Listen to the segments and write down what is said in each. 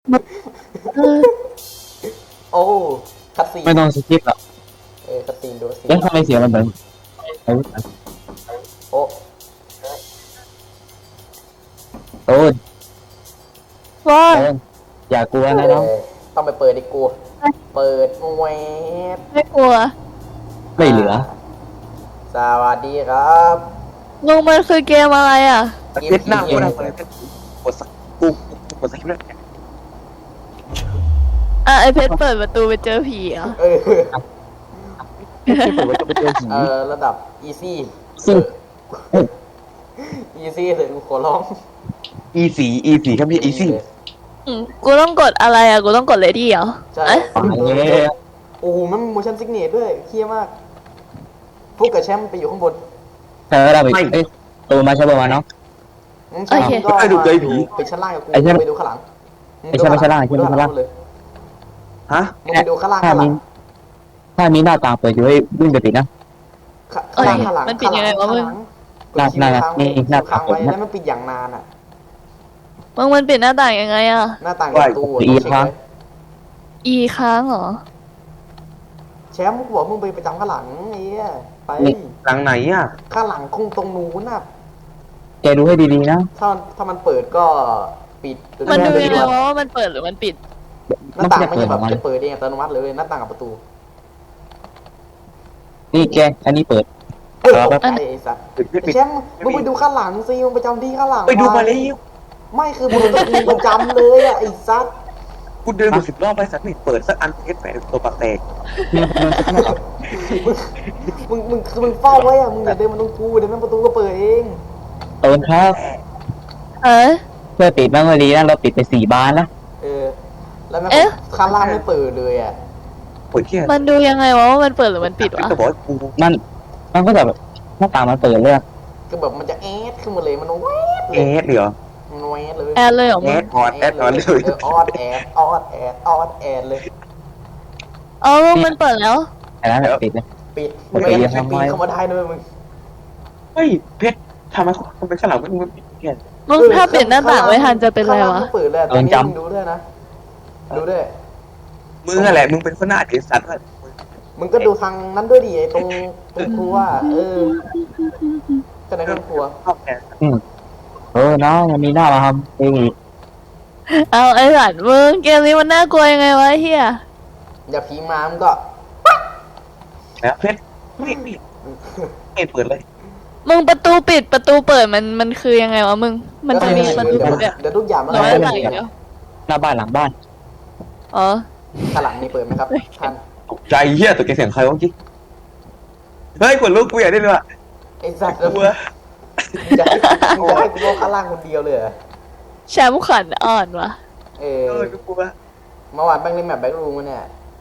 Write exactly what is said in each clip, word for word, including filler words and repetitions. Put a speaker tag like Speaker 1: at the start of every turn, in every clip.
Speaker 1: เออ
Speaker 2: โอ้คัตซีน
Speaker 3: ไม่ต้องสกิปหรอก
Speaker 2: เออคัตซีนดูสิ
Speaker 3: เอ๊ะทำไมเสียงมันเหมือนอาวุธอะ
Speaker 2: โอ้
Speaker 3: โอ้ย
Speaker 1: ว่า
Speaker 3: โอ้ยอย่ากลัวนะน้อง
Speaker 2: เออต้องไปเปิดดิกูเปิดแวบ
Speaker 1: ไม่กลัว
Speaker 3: ไม่เหลือ
Speaker 2: สวัสดีครับ
Speaker 1: ลุงมันคือเกมอะไรอ่ะ
Speaker 2: เกม
Speaker 4: เพชรหน้า
Speaker 2: ผี
Speaker 4: กูทำอะไรเพชรกดสักกูกดสักคลิปแล้ว
Speaker 1: อ่ะไอเพชรเปิดประตูไปเจอผีเหรอ่ะ
Speaker 2: เออ
Speaker 3: ที่เปิดว่าจะไปเจอผี
Speaker 2: เออระดับ easy
Speaker 3: ซึ่ง
Speaker 2: easy เลยกูขอร้อง
Speaker 4: อีสีอีสีครับพี่อีซี่
Speaker 1: อืมกูต้องกดอะไรอ่ะ กูต้องกดเลดี้เหรอ
Speaker 2: ใช่
Speaker 1: เอ๊ะ
Speaker 3: ตายแล้ว
Speaker 2: โอ้โหมัน motion sickness ด้วยเฮี้ยมากพวกกับแชมป์ไปอยู่ข้างบน
Speaker 3: เธอได้ไปเอ้ยตัวมาใช่ป่าววะน้อง
Speaker 2: อืมแชมป์ก็มาอยู่ไปชั้นล่างกับกู
Speaker 3: ไอ้แชมป์
Speaker 2: ไปดูข้างหลัง
Speaker 3: ไอ้แชมป์ไปชั้นล่างไอ้แชมป์ไปชั้นล่าง
Speaker 2: เลย
Speaker 4: ฮะ
Speaker 2: มึงไปดูข้างล่าง
Speaker 3: ถ้า
Speaker 2: ข้างหลั
Speaker 3: มี
Speaker 2: ง
Speaker 3: ถ้ามีหน้าต่างเปิดอยู่ให้วิ่งไปปิดนะ
Speaker 2: ข้างหลังข้างหลัง
Speaker 1: มันปิดยังไงวะมึง
Speaker 3: หน้าหน้านี่หน้า
Speaker 2: ค้างไว้
Speaker 3: หน้า
Speaker 2: แล้วมันปิดอย่างนานอ่ะ
Speaker 1: มึงมันปิดหน้าต่างยังไงอ่ะ
Speaker 2: หน้าต่างประตูอะ
Speaker 3: อี
Speaker 2: ต้องเช็ค
Speaker 3: ค้าง
Speaker 2: ไว้
Speaker 1: อีค้างเหรอ
Speaker 2: แชมป์กูบอกมึงไปประจำข้างหลังไอ้เหี้ยไป
Speaker 4: หลังไหนอ่ะ
Speaker 2: ข้างหลังคงตรงนู้นน่ะ
Speaker 3: แกดูให้ดีๆนะ
Speaker 2: ถ้าถ้ามันเปิดก็ปิด
Speaker 1: มันดู
Speaker 2: ห
Speaker 1: ยังไง
Speaker 2: น้าว
Speaker 1: ะว่ามันเปิดหรือมันปิด
Speaker 2: หน้าต่าง
Speaker 3: จะ
Speaker 2: มัน
Speaker 3: เปิด
Speaker 2: จะ
Speaker 3: อ
Speaker 2: แบ
Speaker 3: อบ กมา
Speaker 2: จะเปิดเองอัตโนมัติเลยหน้าต่างกับประตู
Speaker 3: นี่แกอันนี้เปิด
Speaker 2: เออ
Speaker 3: ครับ
Speaker 2: ตกใจไอ้สัส
Speaker 4: ปิดปิด
Speaker 2: ไอ้
Speaker 4: ปิด
Speaker 2: แชมป์มึงไปดูข้างหลังสิมึงประจำที่ข้างหลัง
Speaker 4: ไปดูมาแล้ว
Speaker 2: ไม่คือมึงมึงประจำเลยอ่ะไอ้สัส
Speaker 4: กูเดินมาสิบรอบไปสักไม่เปิดสักอันเพชรแฝงตัวปากแตก
Speaker 3: มีคนสักหน่อย
Speaker 2: มึงมึงคือมึงเฝ้าไว้อ่ะมึงอย่าเดินมาตรงกูเดี๋ยวแม่งประตูก็เปิดเอง
Speaker 3: ตูนครับ
Speaker 1: เอ๊ะ
Speaker 3: เพื่อปิดบ้างก็ดีนะเราปิดไปสี่บานแล้ว
Speaker 2: เออแล้วแม่ง
Speaker 1: เอ๊ะ
Speaker 2: ข้างล่างไม่เปิดเลยอ่ะ
Speaker 4: เปิดแค่
Speaker 1: มันดูยังไงวะว่ามันเปิดหรือมันปิดวะ
Speaker 4: ก็บอกว่ากู
Speaker 3: มันมันก็แบบหน้าต่างมันเปิดเลยอะ
Speaker 2: คือแบบมันจะแอดขึ้นมาเลยมันแวดเล
Speaker 4: แอย ดเหรอ
Speaker 2: มันแวดเลย
Speaker 1: แอดเลยเหรอ
Speaker 4: แอ
Speaker 1: มึง
Speaker 4: ดออดแอดออดเลย
Speaker 2: เออออดแอดออดแอดออดแอดเลย
Speaker 1: อ๋อมึงมันเปิดแล้ว
Speaker 3: แต่นั้นแบบปิดเลย
Speaker 2: ปิด
Speaker 3: เปิด
Speaker 2: ไม่งั้น
Speaker 3: ทำไม
Speaker 2: ปีนเข้ามาได้ด้วยมึง
Speaker 4: เฮ้ยเพชรทำไมทำไมข้างหลังมันปิดแค่
Speaker 1: มึงถ้าปิดหน้าต่างไม่ทันจะเป็นไร
Speaker 2: ข้างล่าง
Speaker 1: วะ
Speaker 2: ไม่เปิดเลยอะตอนนี้มึงดูด้วยนะดูด้วย
Speaker 4: มึงอะไรมึงเป็นคนหน้าเด็กสัตว์
Speaker 2: มึงก็ดูทางนั้นด้วยดิไอ้ตรงตรงครัวเออก็ในห้องครัว
Speaker 4: ชอบแก
Speaker 3: อืมเออน้องยังมีหน้ามาทำเองอีก
Speaker 1: เอาไอ้สัตว์มึงเกมนี้มันน่ากลัวยังไงวะไอ้เฮีย
Speaker 2: อย่าพีมามึงก็
Speaker 4: แล้วเพชรไม่ไม่ไม่เปิดเลย
Speaker 1: มึงประตูปิดประตูเปิดมันมันคือยังไงวะมึง มันจะมีประตู
Speaker 2: เดี๋ยว
Speaker 1: ปิดอะ
Speaker 2: เดี๋ยวทุกอย่างมัน
Speaker 1: ร้อย
Speaker 2: จะ
Speaker 1: อะไร
Speaker 2: เปิด
Speaker 1: เดียว
Speaker 3: หน้าบ้านหลังบ้าน
Speaker 1: อ๋อ
Speaker 2: ข้างหลังนี่เปิดไหมครับท่าน
Speaker 4: ตกใจเฮียตกใจเสียงใครวะเมื่อกี้เฮ้ยกดลูกกูอยากได้เลยว่ะ
Speaker 2: ไอ้สัตว์แล้ว
Speaker 4: กลั
Speaker 2: มึ
Speaker 4: ว
Speaker 2: งจะให้มึงจะให้กูว่าข้างล่างคนเดียวเลยเหรอ
Speaker 1: แชมป์ขันอ่อนวะ
Speaker 2: เอ
Speaker 4: เอ
Speaker 2: อ
Speaker 4: อกูกลัว
Speaker 2: เมื่อวานแบงค์เล่นแมปแบ็กรูมมาเนี่ย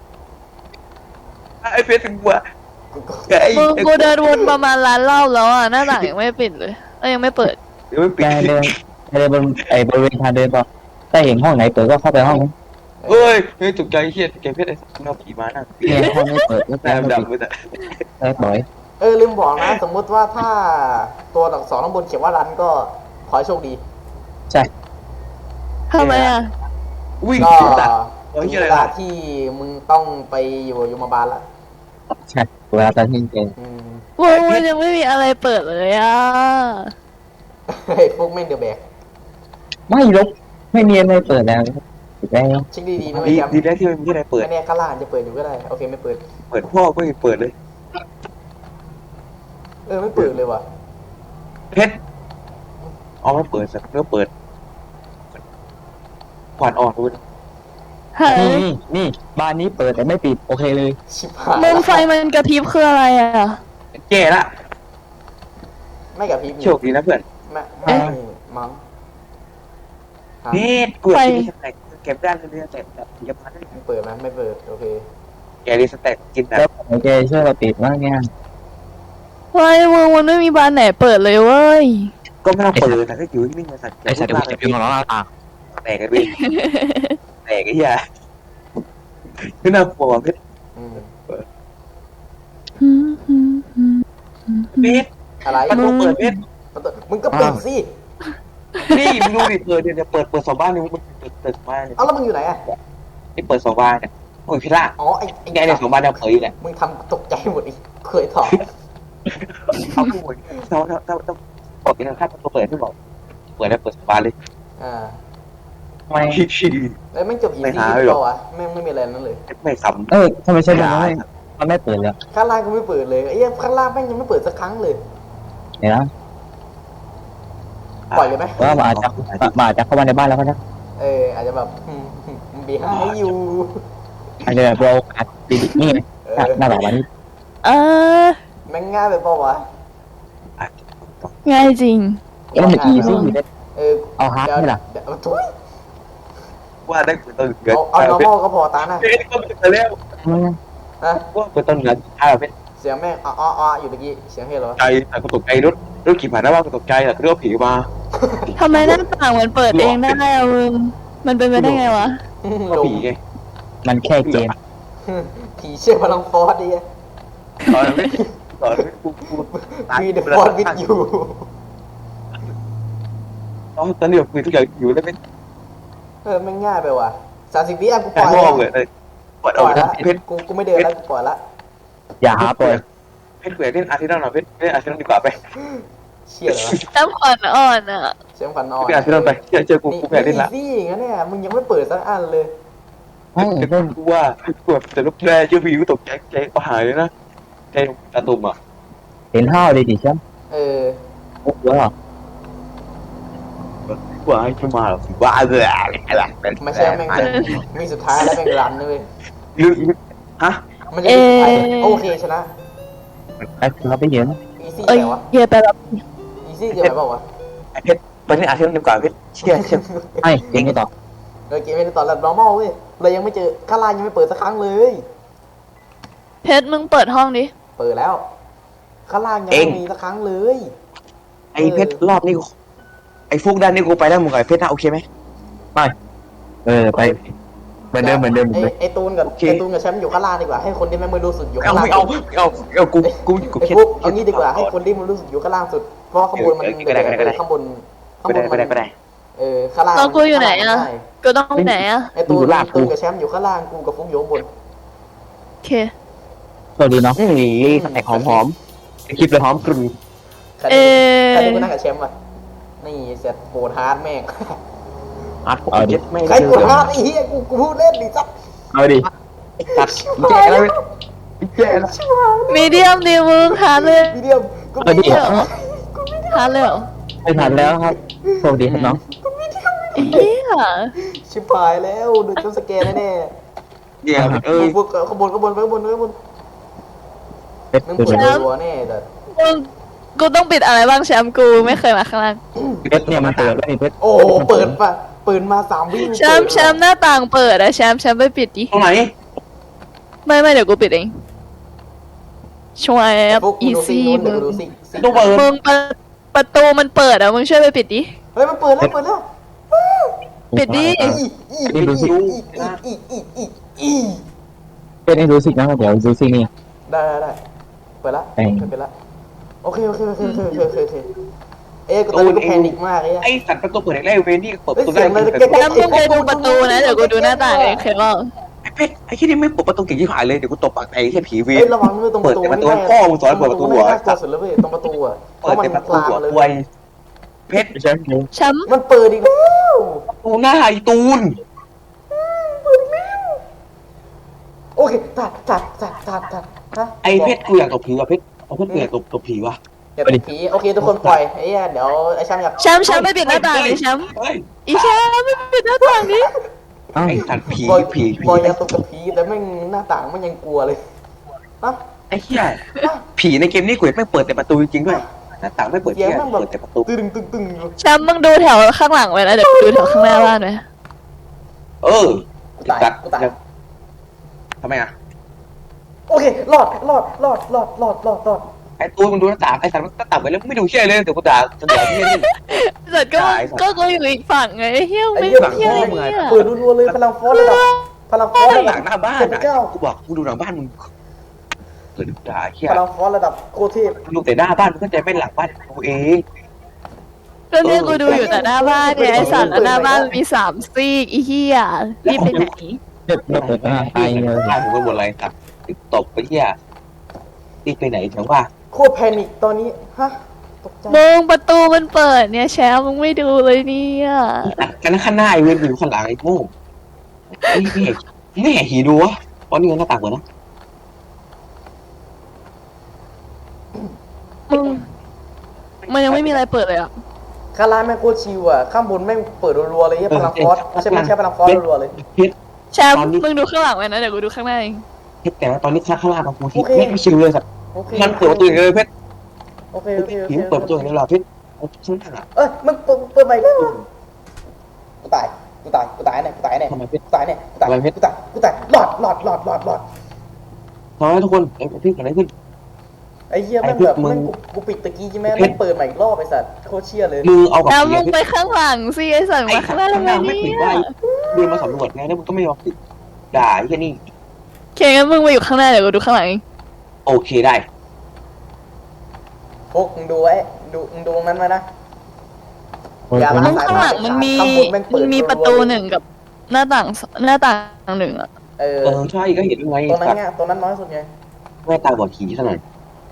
Speaker 4: ไอ้เพชรถึงกลัว
Speaker 2: กูก็
Speaker 4: ไอ้
Speaker 1: มึงกูเดินวนประมาณล้านรอบแล้วอ่ะหน้าต่างยังไม่ปิดเลยเอ้ยยังไม่เปิด
Speaker 4: เดี๋ยวไม่ปิ
Speaker 3: แก
Speaker 4: ด
Speaker 3: เดินแกเดินบนไอ้บริเวณทางเดินพอถ้าเห็นห้องไหนเปิดก็เข้าไปห้องนั้น
Speaker 4: เฮ้ยเฮ้ยตกใจเฮียแกเพชรไอ้สัตว์เอาผีมาหน้า
Speaker 3: เนี่ยห้องไม่เปิดก็
Speaker 4: หน้า
Speaker 3: ไม่
Speaker 4: ดำ
Speaker 3: ปิด
Speaker 4: ไปแต่
Speaker 3: ได้ปล่อย
Speaker 2: เออลืมบอกนะ สมมุติว่าถ้าตัวอักษรข้างบนเขียนว่ารันก็ขอให้โชคดี
Speaker 3: ใช่
Speaker 1: ทำไมอ่ะ
Speaker 4: วิ่ง
Speaker 2: ก็
Speaker 4: สุดอ่ะ
Speaker 2: ถึงเวลาที่มึงต้องไปอยู่ยมบาลละ
Speaker 3: ใช่เวลาตอนที่เจอ
Speaker 2: อืม
Speaker 1: มึงมันยังไม่มีอะไรเปิดเลยอ่ะ
Speaker 2: ไอ้พวกแม่งเดือแบก
Speaker 3: ไม่ลบไม่มีอะไรเปิดแล้วปิดแล้ว
Speaker 2: เช็คดีๆนะ
Speaker 4: ดี
Speaker 2: ไม่จำ
Speaker 4: ดีแล้วที่มันไม่ได้เปิด
Speaker 2: ไม่แน่ข้างล่างจะเปิดอยู่ก็ได้ โอเคไม่เปิด
Speaker 4: เปิดพ่อก็ยังเปิดเลย
Speaker 2: เออไม่เปิดเลยว่ะ
Speaker 4: เพชรเอาไม่เปิดสักเนื้อเปิดขวานอ่อนคุณ
Speaker 1: เฮ้ย
Speaker 3: นี่นี่บ้านนี้เปิดแต่ไม่ปิดโอเคเลย
Speaker 2: ชิบหาย
Speaker 1: มึงไฟมันกระพริบคืออะไรอ่ะ
Speaker 4: แก่ละ
Speaker 2: ไม่กับพริบ
Speaker 4: โชคดีนะเพื่อน
Speaker 2: ไม่ไม่มั้งฮะ
Speaker 4: เพชรเปิดที่สแต็กเก็บได้เลยเนี่ยแต่แบบยังพันได้
Speaker 2: ไม่เปิดไหมไม่เปิดโอเค
Speaker 4: แกดีสแต็กกินแบบ
Speaker 3: แล้วโอเคช่วยเราปิดบ้างเนี่ย
Speaker 1: เฮ้ยมึงมันไม่มีบานไหนเปิดเลยเว้ย
Speaker 4: ก็ไม่ต้องเปิดแต่ก็อยู่นิ่งๆสัตว์
Speaker 3: ไอ้สัตว์เดี๋ยวจะพิมพ์ของเราอ่ะ
Speaker 4: แตกกันไปแตกไอ้เหี้ยไม่น่ากลัวเพชร
Speaker 2: อืม
Speaker 4: เพชร
Speaker 2: อะไร
Speaker 4: ประตูเปิดเพชร
Speaker 2: ประตูมึงก็ปิดสิ
Speaker 4: นี่มึงดูดิเปิดเนี่ยเปิดเปิดสองบ้านนี่มันเปิดเปิดบ้านเนี่ย
Speaker 2: เอาแล้วมึงอยู่ไหนอ่ะ
Speaker 4: นี่เปิดสองบ้านเนี่ยโอ้ยพี่ล่า
Speaker 2: อ๋อไอ้ไอ้
Speaker 4: ไงเนี่ยสองบ้านเนี่ยเผยอยู่แหละ
Speaker 2: มึงทำตกใจหมดอีกเคยถอด
Speaker 4: เขาพูดเขาเขาเขาเขาบอกกันนะครับตัวเปิดที่บอกเปิดแล้วเปิดสองบ้านเลย
Speaker 2: อ่า
Speaker 3: ทำไม
Speaker 2: แล้วแม่งจบอี
Speaker 4: ไม่
Speaker 2: ซี่
Speaker 4: หา
Speaker 2: ที่
Speaker 4: หรอก
Speaker 2: เปล่าวะแม่งไม่มีอะไรนั่นเลย
Speaker 4: ไม่ซ้
Speaker 3: เออทำไมใช่มันไม่มันไม่เปิดเลย
Speaker 2: ข้างล่างก็ไม่เปิดเลยไอ้เหี้ยข้างล่างแม่งยังไม่เปิดสักครั้งเลย
Speaker 3: เดี๋ยวนะ
Speaker 4: ำ
Speaker 2: ปล่อยเลยไหม
Speaker 3: ว่ามาอาจจะมาอาจจะเข้ามาในบ้านแล้วก็นะ
Speaker 2: เอออาจจะแบบบีห้าอยู่
Speaker 3: อาจจะแบบเราอัดดีนี่ไง
Speaker 2: เออ
Speaker 3: หน้าแบบวันนี้
Speaker 1: เออ
Speaker 2: แม่งง่ายไปเปล่าวะ
Speaker 1: ง่ายจริง
Speaker 3: เอ้มันอีซี่อยู่เลย
Speaker 2: เออ
Speaker 3: เอาฮาร์ด
Speaker 2: ดี๋ยว
Speaker 3: ไหมล่ะ
Speaker 2: เดี๋ยวเอาทุย
Speaker 4: ว่าได้เปิดต้นเกิด
Speaker 2: เอาเอา normal ก็พอตานะ
Speaker 4: เฮ้ยก็เปิดแล้ว
Speaker 2: นะ
Speaker 4: ว่าเปิดต้นเงินถ้าเป็น
Speaker 2: เสียงแม่งอ้ออ้ออ้ออยู่เมื่อกี้เสียงเฮ้ยเหรอ
Speaker 4: ใจแต่ก็ตกใจรถรถขี่ผ่านหน้าบ้านก็ตกใจแต่เรื่องผีมา
Speaker 1: ทำไมหน้าต่างมันเปิดเองได้อะมึง มันเป็นไปได้ไงวะ
Speaker 4: ก็ผีไง
Speaker 3: มันแค่เกม
Speaker 2: ผีเชื่อพลังฟอสดิ
Speaker 4: ตอนนั้นตอนนั้นกูกู
Speaker 2: มีเดอะฟอสวิดอยู่
Speaker 4: ตอนตอนนี้แบบคุยทุกอย่างอยู่แล้วเป็น
Speaker 2: เออแม่งง่ายไปว่ะสามสิบวิอ่ะกูป
Speaker 4: แค่
Speaker 2: ล่อย
Speaker 4: มองเลยเลยปวด
Speaker 2: ปล่
Speaker 4: เอา
Speaker 2: อยละ
Speaker 4: เพชร
Speaker 2: กูกูไม่เดินแล้วกูปล่อยละ
Speaker 3: อย่าหาเปิด
Speaker 4: เพชรเกลือเล่นอาร์เซนอลหน่อยเพชรเล่นอาร์เซนอลดีกว่าไป
Speaker 2: เชี่ยเหรอ
Speaker 1: น้ำขวัญอ่อนอ่ะ
Speaker 2: เสียงขวัญอ่อน
Speaker 4: ไปอาร์เซนอลไปเจอเจอกูกูแพ้เล่นละ
Speaker 2: นี่อย่างนั้นเนี่ยมึงยังไม่เปิดสักอันเลย
Speaker 3: ไม่เล่น
Speaker 4: กูว่ากูแบบแต่ลูกแร่เจอผีกูตกใจใจก็หายเลยนะใจตาตุ่มอ่ะ
Speaker 3: เห็นห้าวเลยดิใช่ไหม
Speaker 2: เออ
Speaker 3: ปุ๊บแล้ว
Speaker 4: ว่าให้ขึ้นมาหรอว่าเลยอะไร
Speaker 2: ไม่ใช่แม่งมีสุดท้ายแล้วแม่งรันเลย
Speaker 4: ลึกฮะ
Speaker 2: มันจะมีสุดท้ายโอเคชนะ
Speaker 3: ไอ้เราไปเยอะนะ
Speaker 2: อีซี่
Speaker 1: เอ้ย
Speaker 2: ไงวะ
Speaker 1: เฮียไปแบบ
Speaker 2: อีซี่เกี่ยวกับเปล่าวะ
Speaker 4: เพชรไปเล่นอาร์เซนอลดีกว่าเพชรเชี่ยเชี่ย
Speaker 3: ไม่เกมไม่ต่อ
Speaker 2: เออเกมเป็นตอนแบบ normal เว้ยเรายังไม่เจอข้างล่างยังไม่เปิดสักครั้งเลย
Speaker 1: เพชรมึงเปิดห้องดิ
Speaker 2: เปิดแล้วข้างล่างยังไม่มีสักครั้งเลย
Speaker 4: ไอเพชรรอบนี้ไอฟุกด้านนี้กูไปแล้วมึงกับไอเพชรนะโอเคไหม
Speaker 3: เออไปเหมือนเดิมเหมือนเดิมเหมือน
Speaker 2: ไอ
Speaker 3: เดิม
Speaker 2: ไอตูนกับไอตูนกับแชมป์อยู่ข้างล่างดีกว่าให้คนที่ไม่รู้สึกอยู่
Speaker 4: เอา
Speaker 2: ข้างล่าง
Speaker 4: ไม่เอาไม่เอาเอากูกูกู
Speaker 2: ไอ
Speaker 4: คิด
Speaker 2: ฟุกเอางี้ดีกว่าให้คนที่มันรู้สึกอยู่ข้างล่างสุดเพราะข้างบนมันข้างบนข้าง
Speaker 4: ไม่
Speaker 2: บ
Speaker 4: ได้
Speaker 2: น
Speaker 4: ไม่ได้ไม่ได้
Speaker 2: เออข้างล่าง
Speaker 1: แล้วกูอยู่ไหนอะ กูต้องไปไหนอ่ะ
Speaker 2: ไอตูนตูนกับแชมป์อยู่ข้างล่างกูกับฟุกอยู่ข้างบน
Speaker 1: โอเค
Speaker 3: สวัสดีเนาะ
Speaker 4: นี่แตกหอมหอมคลิปเลยหอมกลุ่น
Speaker 2: ใคร
Speaker 1: เอ
Speaker 2: ใคร
Speaker 1: อ
Speaker 2: ที่กูนั่งกับแชมป์วะนี่เสร็จโบดฮาร์ดแม่ง
Speaker 4: อัดผมเจ็ดไม่
Speaker 2: ใครโบดฮาร์ดไอ้เหี้ยกูกูพูดเล่นดิจับ
Speaker 3: เอาดิ
Speaker 4: ตัดแย่แล้วแย่แล้ว
Speaker 1: มีเดียมดิมึงหาเลย
Speaker 2: วิดีโอกู
Speaker 3: เอาดิ
Speaker 2: ไม่เดียว
Speaker 1: หาเลยเหรอ
Speaker 3: ไม่ทันแล้วครับสวัสดีครับน้อง
Speaker 1: เฮีย
Speaker 2: ชิบหายแล้วโดนจำสแกนแน่
Speaker 4: แย่เอ้ย
Speaker 2: ๆพวกขบวนขบวนขบวนขบวน
Speaker 3: เป็ด
Speaker 2: มึง
Speaker 3: ดู
Speaker 2: เปิด
Speaker 3: ดู
Speaker 2: ตัวแน่แต่
Speaker 1: มึงกูต้องปิดอะไรบ้างแชมป์กูไม่เคยมาข้างล่าง
Speaker 3: เป็ดเนี่ยมันเปิดแล้วนี่เป็ด
Speaker 2: โอ้เปิดปะเปิดมาสามวิ
Speaker 1: แชมป์แชมป์หน้าต่างเปิดอะแชมป์แชมป์ไปปิดดิ
Speaker 4: ตรงไหน
Speaker 1: ไม่ไม่เดี๋ยวกูปิดเองช่วย
Speaker 2: พวก
Speaker 1: อี
Speaker 2: ดูซิ
Speaker 1: ซี่
Speaker 2: เดี๋
Speaker 1: มึ
Speaker 2: ยว
Speaker 1: ง
Speaker 2: ดูซิ
Speaker 4: ต้องเปิด
Speaker 1: มึงประประตูมันเปิดอะมึงช่วยไปปิดดิ
Speaker 2: เฮ้ยมันเปิดแล้วเปิดแล้ว
Speaker 1: ปิดดิ
Speaker 2: อีอีอีอีอีอีอีอี
Speaker 3: เป็ดให้รู้สินะเดี๋ยวดูสินี่
Speaker 2: ได้ได้ได้เปิดละเปิดละโอเคโอเคโอเคโอเคโอเคโอเคโอเคเอ๊ะกูตอนนี้กูแพนิคมากเลย
Speaker 4: ไอสัตว์ประตูเปิดแรกเวนนี่เปิดประตู
Speaker 1: แชมป์มึงไปดูประตูนะเดี๋ยวกูดูหน้าต่างเองเคยบอก
Speaker 4: ไอเพชรไอที่นี่ไม่เปิดประตูเก่งที่หายเลยเดี๋ยวกูตบปากไอแค่ผีเว
Speaker 2: เฮ้ยระวังด้วยตรงประตู
Speaker 4: เปิดแต่ประตูพ่อมึงสอนเปิดประตูหัว
Speaker 2: น่ากลัวสุดแล้วเว้ยตรงประตูอ่ะเพ
Speaker 4: เปิด
Speaker 2: ราะมัน
Speaker 4: แต่ประตู
Speaker 2: คลาม
Speaker 4: หัว
Speaker 2: เลย
Speaker 4: ควยเพชร
Speaker 3: ใช่ไหม
Speaker 1: แชมป์
Speaker 2: มันเปิดอีกแล้ว
Speaker 4: ตูหน้าไอตูน
Speaker 2: โอเคตัดตัดตัดตัดตัดฮะ
Speaker 4: ไอเพชรกูอยากตบผีว่ะเพชรเอาเพชรกูอยากตบตบผีว่ะ
Speaker 2: อย่าตบผีโอเคทุกคนปล่อยไอ้เหี้ยเดี๋ยวไอ้ช่างอยาก
Speaker 1: แชมป์แชมป์ไม่ปิดหน้าต่างดิแชมป์
Speaker 4: เฮ้ย
Speaker 1: อีแชมป์ไม่ปิดหน้าต่างดิ
Speaker 3: อ้าว
Speaker 4: ไอสัตว์ผี
Speaker 2: บอย
Speaker 4: ผีผี
Speaker 2: บอยอย่าตบกับผีแต่แม่งหน้าต่างมันยังกลัวเลยนะ
Speaker 4: ไอ้เหี้ยผีในเกมนี้กูไม่เปิดแต่ประตูจริงๆด้วยหน้าต่างไม่เปิด
Speaker 2: เสียง
Speaker 4: เหี้ย
Speaker 2: แม่งแบบ
Speaker 4: เปิดแต่ประตู
Speaker 2: ตึงตึงตึงอยู่
Speaker 1: แชมป์มึงดูแถวข้างหลังไว้แล้วเดี๋ยวกูดูแถวข้างหน้าบ้านไว้
Speaker 4: เออ
Speaker 2: กูตายกูตาย
Speaker 4: ทำไมอ่ะ
Speaker 2: โอเครอดรอดรอดรอดรอดรอดรอด
Speaker 4: ไอ้ตูนมึงดูหน้าต่างไอ้สัตว์มันหน้าต่างไปแล้วไม่ดูเชี่ยเลยเดี๋ยวกูด่าจะด่าพี่นี่
Speaker 1: เสร็จก็
Speaker 4: ตายสัตว์
Speaker 1: ก็กูอยู่อีกฝั่งไงไอ้เฮี้ย
Speaker 2: ไอ้
Speaker 1: ไม่
Speaker 2: เหี้ย
Speaker 1: เฮี้ย
Speaker 4: มึงอะ
Speaker 1: เนี่ย
Speaker 2: เปิดรัวๆเลยพลังฟอสระดับพลังฟอส
Speaker 4: หน้า
Speaker 2: ระดั
Speaker 4: ต่า
Speaker 2: บ
Speaker 4: งหน้าบ้าน
Speaker 2: เจ็ด
Speaker 4: อ่ะ
Speaker 2: เก้า
Speaker 4: กูบอกกูดูหลังบ้านมึงเปิดด่าเชี่ย
Speaker 2: พลังฟอสระดับโคตรเทพ
Speaker 4: ดูแต่หน้าบ้านมึงเข้าใจไหม่หลังบ้านกูเอง
Speaker 1: ก็เนี่ยกูดูอยู่แต่หน้าบ้านเนี่ยไอสัตว์แล้วหน้าบ้านมันมีสามซีกอีเหี้ยรีบไปไหน
Speaker 3: เด็กเราเปิดอ่าตายเลย
Speaker 4: ข้าผมก็หมดอะไรครับตบไปเหี้ยรีบไปไหนถึงว่า
Speaker 2: โคตรแพนิคตอนนี้ฮะตกใจ
Speaker 1: มึงประตูมันเปิดเนี่ยแชมป์มึงไม่ดูเลยเนี่ย
Speaker 4: กันข้างหน้าไอ้เว้ยอยู่ข้างหลังไอ้โง่ไม่เห็นไม่เห็นหีดูวะเพราะนี่มันหน้าต่างเหมือนนะ
Speaker 1: มึงมันยังไม่มีอะไรเปิดเลยอ่ะ
Speaker 2: ข้างล่างแม่งโคตรชิวอ่ะข้างบนแม่งเปิดรัวๆเลยเหี้ยพลังฟอสใช่ไหมใช่พลังฟอสรัวๆเลย
Speaker 4: เพชร
Speaker 1: แชมป์มึงดูข้างหลังไว้นะเดี๋ยวกูดูข้างหน้าเอง
Speaker 4: เพชรแต่ว่าตอนนี้ข้างล่างของกูที่ไม่ชิวเลยสัตว์
Speaker 2: โอเค
Speaker 4: มันเปิดประตูอย่างเดียวเลยเพชร
Speaker 2: โอเคโอเคโอเค
Speaker 4: ผีเปิดประตูอย่างเดียวเหรอเพชรข้างล่างอ่ะ
Speaker 2: เอ้ยมึงเปิดเปิดใหม่แล้วกูตายกูตายกูตายแน่กูตายแน่
Speaker 4: ทำไมเพชร
Speaker 2: กูตายแน่กูตายกูตายกูตายหลอดหลอดหลอดหลอดหลอด
Speaker 4: ทำไมทุกคนไอ้พี่เกิดอะไรขึ้น
Speaker 2: ไอ้เหี้ยแม่งแบบแม่งกูกูปิดตะกี้ใช่ไหมแม่งเปิดใหม่อีกรอบไอ้สัตว์โคตรเชี่ยเลย
Speaker 4: มือเอากับ
Speaker 1: แล้ว
Speaker 4: ผี
Speaker 1: มึง
Speaker 4: เพ
Speaker 1: ไป
Speaker 4: ชร
Speaker 1: ข้างหลังสิไอสัตว์
Speaker 4: ไอ้
Speaker 1: มาข้างหน้า
Speaker 4: ข้าง
Speaker 1: ทำไม
Speaker 4: ล่างไม่
Speaker 1: เนี่
Speaker 4: ปิด
Speaker 1: ย
Speaker 4: ได้เดินมาสำรวจไงแล้วมึงก็ไม่ยอมปิดด่าไอ้แค่นี้
Speaker 1: โอเคงั้นมึงมาอยู่ข้างหน้าเดี๋ยวกูดูข้างหลังเอง
Speaker 4: โอเคได้
Speaker 2: พวกมึงดูไว้ดูมึงดูมันไว้นะ อย่าละ
Speaker 1: มึงข้างหลังมันมีมันมีประตูหนึ่งกับหน้าต่างหน้าต่างหนึ่งอ่ะ
Speaker 2: เออ
Speaker 4: เออใช่ก็เห็นไง
Speaker 2: ตรงนั้นไงตรงนั้นน้อยสุดไง
Speaker 4: แม่ตาบอดผีซะหน่อย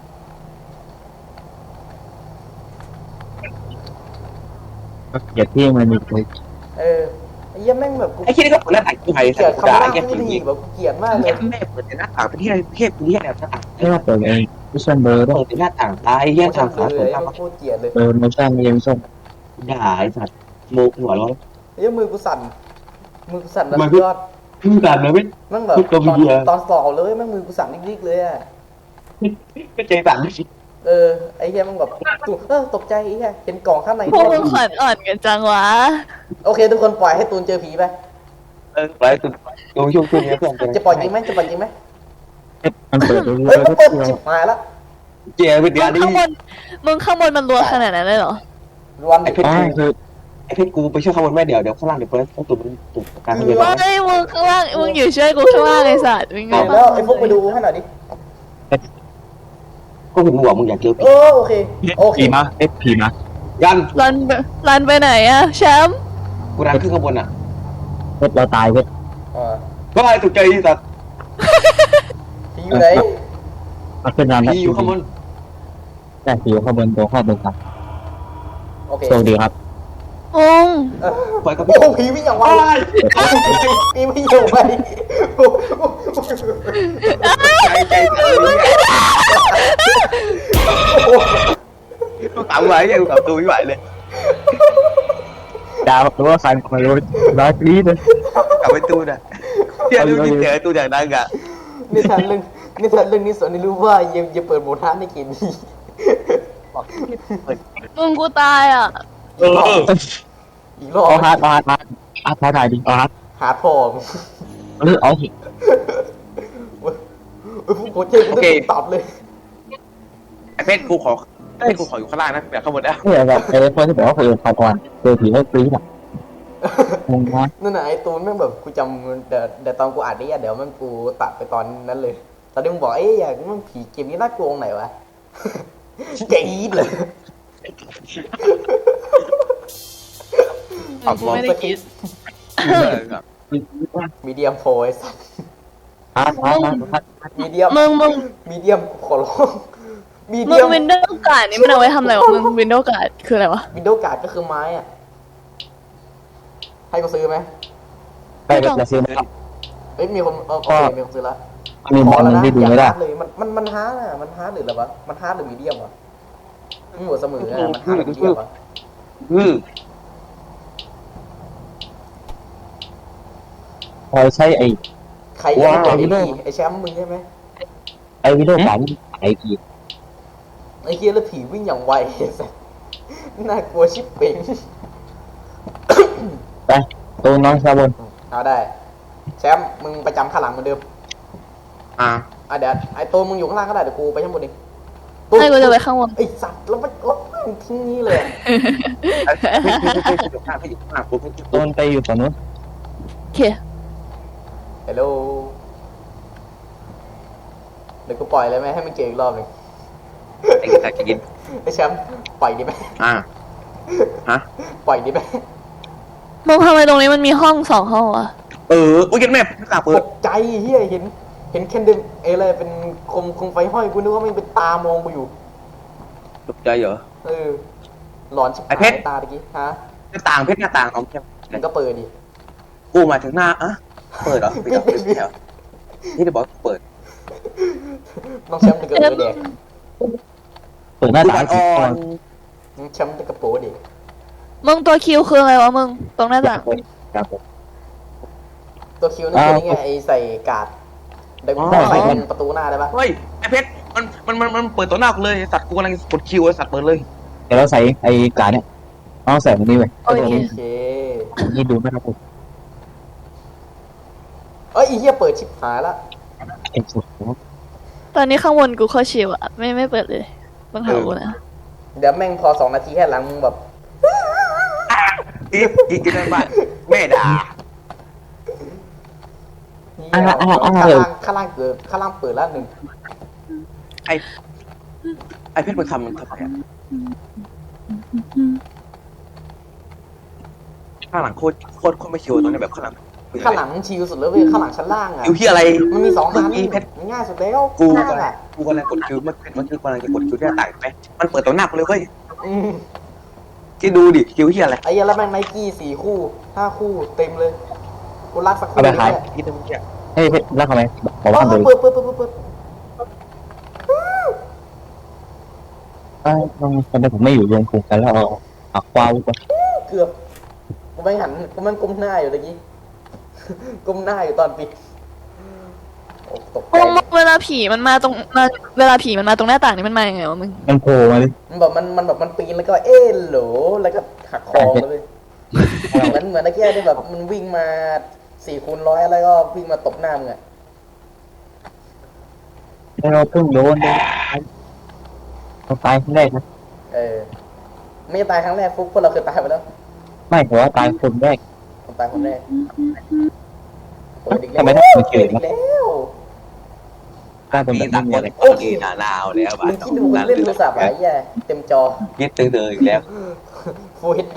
Speaker 3: อย่าที่มันมีเลย
Speaker 2: เออไอ้เหี้ยแม่งแบบกู
Speaker 4: ไอ้แค่นี้ก็เปิดหน้าต่างกูไห้
Speaker 2: เกลียด
Speaker 4: ด่า
Speaker 2: คำว่า
Speaker 4: ไอ้แค่
Speaker 2: ผู้
Speaker 4: ผี
Speaker 2: ดีแบบกูเกลียดมากเลย
Speaker 4: แม่เปิดหน้าต่างไปที่เทพนี้แบบหน้าต่าง
Speaker 3: ไม่ว่าเปิดเองมิชชั่นเบอร์ด้วย
Speaker 4: เปิดหน้าต่างตายแย่ทาง
Speaker 2: เล
Speaker 4: ขาสุด
Speaker 2: ย
Speaker 4: ทาง
Speaker 2: มันโคตรเกลียดเลย
Speaker 3: เออมิชชั่นเองส้ม
Speaker 4: ด่าไอ้สัตว์โมกหัวร้อน
Speaker 2: ไอ้เหี้ยมือกูสั่นมือกูสั่นแบบ
Speaker 4: มัน
Speaker 2: ยอด
Speaker 4: พึ่งด่าเลยไม่
Speaker 2: แม่งแบบ
Speaker 4: ทุกตัว
Speaker 2: ตอน
Speaker 4: เบียร์
Speaker 2: ตอนสอบเลยแม่งมือกูสั่นนิกๆเลยอ่ะ
Speaker 4: ไม่ใจสั่นไม่สิ
Speaker 2: เออไอ้เหี้ยแม่งแบบตุเออตกใจไอ้เหี้ยเห็นกล่องข้างใน
Speaker 1: พวกมึงขวัญอ่อนกันจังวะ
Speaker 2: โอเคทุกคนปล่อยให้ตูนเจอผีไป
Speaker 4: เออไปตุนโยงช่วงช่วงนี้เพื่อน
Speaker 2: จะปล่อยจริงไหมจะปล่อยจริงไหม
Speaker 3: มันเปิดเรื่
Speaker 2: เฮ้
Speaker 3: อย ย
Speaker 2: มัน
Speaker 3: ๆทุก
Speaker 2: เปิด
Speaker 3: เดียว
Speaker 2: ชิบหายละ
Speaker 4: เจียวิท
Speaker 1: มึ
Speaker 4: ยาง ดี
Speaker 1: ข้างบนมึงข้างบนมันรัวขนาดนั้นเลยเหรอ
Speaker 2: วัน
Speaker 4: ไอ้เพชร
Speaker 3: อ๋อคือ
Speaker 4: ไอ้เพชรกูไปช่วยข้างบนแม่เดี๋ยวเดี๋ยวข้างล่างเดี๋ยวเปิดต้องตุ่มตุ่มการเงิน
Speaker 1: ว่าไอ้มึงข้างล่างมึงอยู่ช่วยกูข้างล่างไอ้สัตว์มึงไง
Speaker 2: แล้วไอ้พวกไปดูให้หน่อยดิ
Speaker 4: ก็เห็นหัวมึงอยากเจอ
Speaker 2: เออโอเคโอเค
Speaker 3: ผีมาเอฟผีมา
Speaker 4: ยัน
Speaker 1: รันไปรันไปไหนอะแชมป์
Speaker 4: กูรันขึ้นข้างบนอ่ะ
Speaker 3: เพชรเราตายเพชร
Speaker 2: เออ
Speaker 4: ก็ไอ้ตกใจที่สัตว์
Speaker 2: ผีอยู่ไหน
Speaker 3: มันเป็นร้าน
Speaker 4: ผีอยู่ข้างบน
Speaker 3: แต่ผีอยู่ข้างบนตัวข้างบนครับ
Speaker 2: โอเค
Speaker 3: โชคดีครับ
Speaker 1: งง
Speaker 2: เออ
Speaker 4: ปล่อยกับ
Speaker 2: โอ้ผีวิ่งอย่างไวผีวิ่งอย่างไว
Speaker 4: ใจใจกูตามไหวยังกูตามตัวไม่ไหวเลย
Speaker 3: ดาวตัวสั่นคอยรู้ร้อยปีเลย
Speaker 4: กลับไปตู้น่ะเดี๋ยวดูที่เจอตู้อย่างนั้นอ่ะ
Speaker 2: นิทานเรื่องนิทานเรื่องนี้สอนให้รู้ว่าอย่าอย่าเปิดโหมดฮาร์ดในเกมนี้
Speaker 1: มึงกูตายอ่ะ
Speaker 3: เออ
Speaker 2: อีกรอบ
Speaker 3: เอาฮาร์ดเอาฮาร์ดมาอาร์ตถ่ายดิเอาฮาร์ด
Speaker 2: หาทอง
Speaker 3: หรือเอา
Speaker 2: เว้ยผู้โคเจ๊กูต้องตอบเลย
Speaker 4: ไอ้เพชรกูขอไอ้กูขออยู่ข้างล่างนะแบบข้างบนนะ
Speaker 3: เนี่ยแบบไอ้คนที่บอกว่าเคยพาก่อนเจอผีไม่ปรี๊ดอ่ะงงมาก
Speaker 2: นั่นน่ะไอ้ตูนแม่งแบบกูจำเดี๋ยวเดี๋ยวตอนกูอ่านนี่เดี๋ยวแม่งกูตัดไปตอนนั้นเลย ตอนที่มึงบอกเอ้ยอยากมันผีเกมนี้น่ากลัวตรงไหนวะ กรี๊ดเลย
Speaker 1: กูไม่ได้คิด
Speaker 2: มีเดียมโฟยสัตว์
Speaker 3: ฮาร์ดฮาร์ดฮาร์ด
Speaker 2: มีเดียม
Speaker 1: มึงมึง
Speaker 2: มีเดียมขอร้องมี
Speaker 1: มึ
Speaker 2: เดีย
Speaker 1: ง
Speaker 2: ม
Speaker 1: วินโดว์การ์ดนี่มันเอาไว้ทำอะไรวะมึงวินโดว์การ์ดคืออะไรวะ
Speaker 2: วินโดว์การ์ดก็คือไม้อะให้กูซื้อไหม
Speaker 3: ไปแบบจะซื้อไหมครับ
Speaker 2: เอ้ยมีคนเออโอเคมีคนซื้อแล้ว
Speaker 3: มีบอลนึงที่ดูไม่ได้
Speaker 2: อย่าฮาร์เลยมันมันมันฮาร์ดอะมันฮาร์ดหรืออะไรวะมันฮาร์ดหรือมีเดียมวะมันหมดเสมออะมันฮาร์ดหรือมีเดียมวะ
Speaker 4: อือ
Speaker 3: พอใช้ไอ้
Speaker 2: ใครยังไม่เจอไอ้ผีไอ้แชมป์มึงใช่ไหม
Speaker 3: ไอ้วิดีโอการไอ้ผี
Speaker 2: ไอ้เฮียแล้วผีวิ่งอย่างไวไอ้สัสน่ากลัวชิบเป่ง
Speaker 3: ไปตัวน้องชาวบน
Speaker 2: เอาได้แชมป์มึงประจำข้างหลังเหมือนเดิม
Speaker 4: อ่า
Speaker 2: อ่ะเดี๋ยวไอ้ตัวมึงอยู่ข้างล่างก็ได้เดี๋ยวกูไปข้างบนเอง
Speaker 1: ให้กูจะไปข้างบน
Speaker 2: ไอ้สัตว์แล้วมันแล้วมันทิ้งนี้เลยอะ
Speaker 4: ไม่ไม่ไม่ไม่อยู่ข้างไม่อยู่ข้างปุ๊บ
Speaker 3: ตัวไปอยู่ฝั่งนู้น
Speaker 1: โอเค
Speaker 2: ฮัลโหลเดี๋ยวกูปล่อยเลยไหมให้มันเจออีกรอบหนึ่ง
Speaker 4: ไอ้กระต่ายจะกิน
Speaker 2: ไอ้แชมป์ปล่อยดีไหม
Speaker 4: อ่าฮะ
Speaker 2: ปล่อยดิแม่
Speaker 1: มึงทำไมตรงนี้มันมีห้องสองห้องวะ
Speaker 4: เออโอ้ยยันแม่ไม่กล้าเปิ
Speaker 2: ต
Speaker 4: ด
Speaker 2: กใจเฮียเห็น เห็นแคนเดมเออะไรเป็นคมคมไฟห้อยกูนึกว่ามันเป็นตามองกูอยู่
Speaker 4: ตกใจเหรอ
Speaker 2: เออหลอนชิบ
Speaker 4: ไอ้
Speaker 2: หา
Speaker 4: เพชร
Speaker 2: ยตาตะกี้ฮะ
Speaker 4: หน้าต่างเพชรหน้าต่างน้องแคม
Speaker 2: มันก็เปิดดิ
Speaker 4: กูมาถึงหน้าอะเปิดเหรอปิดเหรอปิดเหรอที่จะบอกเปิด
Speaker 2: น้องแชมป์จะกระโปรงเด็ก
Speaker 3: เปิดหน้าต่าง
Speaker 4: อ่
Speaker 3: สิ
Speaker 4: อ
Speaker 3: ก่อน
Speaker 4: น
Speaker 2: น้องแชมป์จะกระโปรงเด็ก
Speaker 1: มึงตัวคิวคืออะไรวะมึงตรงหน้าต่าง
Speaker 3: ครับผม
Speaker 2: ตัวคิวนั่นคือนี่ไงไอใส่กาดเดี๋ยวกูใส่เป็นประตูหน้าได้ปะ
Speaker 4: เฮ้ยไอเพชรมันมันมันมันเปิดต่อหน้ากูเลยสัตว์กูกำลังกดคิวไอสัตว์เปิดเลย
Speaker 3: เดี๋ยวเราใส่ไอ้กาเนี่ยเอาใส่ตรงนี้ไว้
Speaker 1: โอเค
Speaker 2: โอเค
Speaker 3: นี่ดูไม่รับผม
Speaker 2: เอ้ยไอีเหี้ยเปิดชิบหายละ
Speaker 3: เอ็กซ์สุด
Speaker 1: ตอนนี้ข้างบนกูเข้าชิวอะไม่ไม่เปิดเลยต้องหากูนะ
Speaker 2: เดี๋ยวแม่งพอสองนาทีแค่หลังมึงแบบ
Speaker 4: อีกอีกกินอะไรบ้างแม่ด่า
Speaker 2: เหี้ยข้างล่างข้างล่างเกิดข้างล่างเปิดแล้วหนึ่ง
Speaker 4: ไอไอเพชรมันทำมันทำไมอะข้างหลังโคตรโคตรโคตรไม่ชิวตรงนี้แบบข้างหลัง
Speaker 2: ข้างหลังชิลสุดแล้วเว้ยข้างหลังชั้นล่างอ่ะ
Speaker 4: คิวที่อะไร
Speaker 2: มันมีสองอัน
Speaker 4: เมื่อกี้เพชร
Speaker 2: มันง่ายสุดแล้ว
Speaker 4: กู
Speaker 2: ข้าง
Speaker 4: กำ
Speaker 2: ล่าง
Speaker 4: ลัง
Speaker 2: อ่ะ
Speaker 4: กูกำลังกดคิวเมื่อเมื่อกี้กำลังจะกดคิวที่หน้าต่างไหมมันเปิดต่อหน้ากูเลยเว้ย
Speaker 2: อืม
Speaker 4: คิดดูดิคิวที่อะไร
Speaker 2: ไอ้เหี้ยแล้วแม่งไนกี้สี่คู่ห้าคู่เต็มเลยกูรักสักคู่
Speaker 3: เอาไปขาย
Speaker 2: เนี่ย
Speaker 4: คิดดูเมื่อกี้
Speaker 3: เฮ้ยเพชรรักทำไมบอก
Speaker 2: เอ
Speaker 3: ว่า
Speaker 2: อ
Speaker 3: เลย
Speaker 2: เปิดเปิดเปิดเปิดเปิด
Speaker 3: เอ้ยตอนนี้ผมไม่อยู่รวมกลุ่มกันแล้วเอาเอาควาวไป
Speaker 2: เกือบกูไม่หันกูแม่งก้มหน้าอยู่ตะกี้ ก้มหน้าอยู่ตอนปิดโอ้ตกใจ
Speaker 1: มึงเวลาผีมันมาตรงมาเวลาผีมันมาตรงหน้าต่างนี่มันมาอย่างไงวะมึง
Speaker 3: มันโผล่มาเลย
Speaker 2: มันแบบมันมันแบบมันปีนแล้วก็เอ๊ะโหลแล้วก็หักคอเลยเหมือนเหมือนตะกี้ที่แบบมันวิ่งมาสี่คูณร้อยแล้วก็วิ่งมาตบหน้ามึงอะ
Speaker 3: แล้วเราเพิ่งโดนเลยเราตายครั้งแรกนะ
Speaker 2: เออไม่ตายครั้งแรกฟุกพวกเราเคยตายไปแล้ว
Speaker 3: ไม่แต่ว่าตายคนแรก
Speaker 2: ผมตายคนแรกเปิดอีกแล้ว
Speaker 3: ทำไมต้องมาเฉ
Speaker 2: เปิ
Speaker 3: ย
Speaker 2: ดอีกแล้ว
Speaker 3: กล้าเป็นแบบ
Speaker 4: ต่า
Speaker 3: นี้
Speaker 4: ง
Speaker 3: มี
Speaker 4: ค
Speaker 3: อะ
Speaker 4: น
Speaker 3: ไร
Speaker 4: โอ้ยหนาหนาวแล้วบ้า
Speaker 2: มึ
Speaker 4: น
Speaker 2: งคิดดูมึงเล่นโทรศัพท์อะไรแย่เต็มจอ
Speaker 4: คิดตื่นเตือนอีกแล้ว
Speaker 2: Full เอช ดี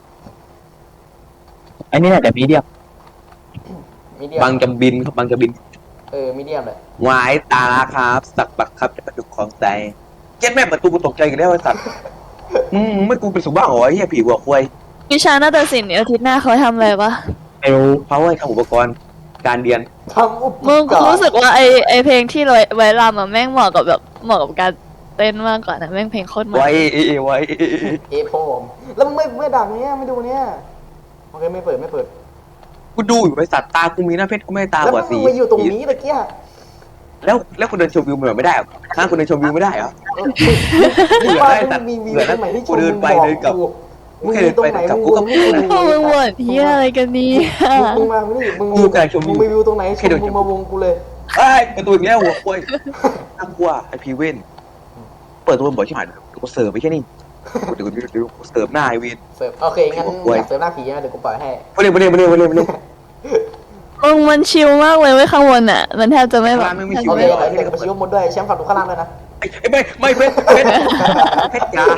Speaker 3: ไอ้นี่น่าจะมีเดียม
Speaker 2: มีเดียม
Speaker 4: บางจะบินครับบางจะบิน
Speaker 2: เออมีเดียมเลย
Speaker 4: หวายตาครับสักปักครับจะกระดุกของใจเจ็ดแม่ประตูกูตกใจกันแล้วไอ้สัตว์อืมไม่กูเป็นสุบ้าเหรอไอ้เหี้ยผีหัวควาย
Speaker 1: วิชานาฏศิลป์เนี่ยอาทิตย์หน้าเขาทำอะไรวะ
Speaker 3: ไม่รู้
Speaker 4: เขาให้ทำอุปกรณ์การเรียน
Speaker 2: ทำอุป
Speaker 1: มึง
Speaker 2: ก
Speaker 1: กู
Speaker 2: รณ์
Speaker 1: รู้สึกว่าไอไอเพลงที่ไว้ไว้รำอะแม่งเหมาะกับแบบเหมาะกับการเต้นมากกว่านะแม่งเพลงโคตรมัน
Speaker 4: ไว้เอเอไว้
Speaker 2: เอโฟมแล้วมึงไม่ไม่ดังเนี้ยไม่ดูเนี้ยโอเคไม่เปิดไม่เปิด
Speaker 4: กูดูอยู่ไอ้สัตว์ตากูมีหน้าเพชรกูไม่ตา
Speaker 2: แล้ว
Speaker 4: บอด
Speaker 2: มึ
Speaker 4: สี
Speaker 2: งมาอยู่ตรงนี้ตะกี้
Speaker 4: แล้วแล้วคุณเดินชมวิวมันไม่ได้เหรอข้างคุณเดินชมวิวไม่ได้เหรอ
Speaker 2: มึงบ้านมึงมีวิวตรงไหนที่ชม
Speaker 4: เดิ
Speaker 2: มึ
Speaker 4: น
Speaker 2: ง
Speaker 4: ไป
Speaker 2: บอก
Speaker 4: เดินกลับ
Speaker 2: กูมึงมีตรงไหนมึงวงให้กูดู
Speaker 1: พวกมึงบ่นเฮียอะไรกันเนี่ย
Speaker 2: มึงมาไม่ได้มึง
Speaker 4: ดูการชมวิว
Speaker 2: มึงมีวิวตรงไหนชมมึงมาวงกูเลย
Speaker 4: ไอ้ยประตูอีกแล้วหัวควายน่ากลัวไอพีเว่นเปิดตัวบ่อยชิบหายกูเสิร์ฟไปแค่นี้เดี๋ยวเดี๋ยวเดี๋ยวกูเสิร์ฟหน้าไอวิน
Speaker 2: เสิร์ฟโอเคงั้นอยากเสิร์ฟหน้าผีนะเดี๋ยวกูปล่อยให้
Speaker 4: มาเร็วมาเร็วมาเร็วมาเร็วมาเร็ว
Speaker 1: มึงมันชิลมากเลยเว้ยข้างบนอ่ะ มันแทบจะไม่แบบ
Speaker 4: ข้างล่างไม่มี
Speaker 1: แทบ
Speaker 4: ชิ
Speaker 2: โอ
Speaker 1: จะ
Speaker 2: เค
Speaker 1: ไม่
Speaker 2: เดี๋ยวเดี๋ยวกูชิวหมดด้วยแชมป์ฝั่งดูข้างล่างด้วยนะ
Speaker 4: ไอ้ไม่ไม่เพชรเพชรเพชรยา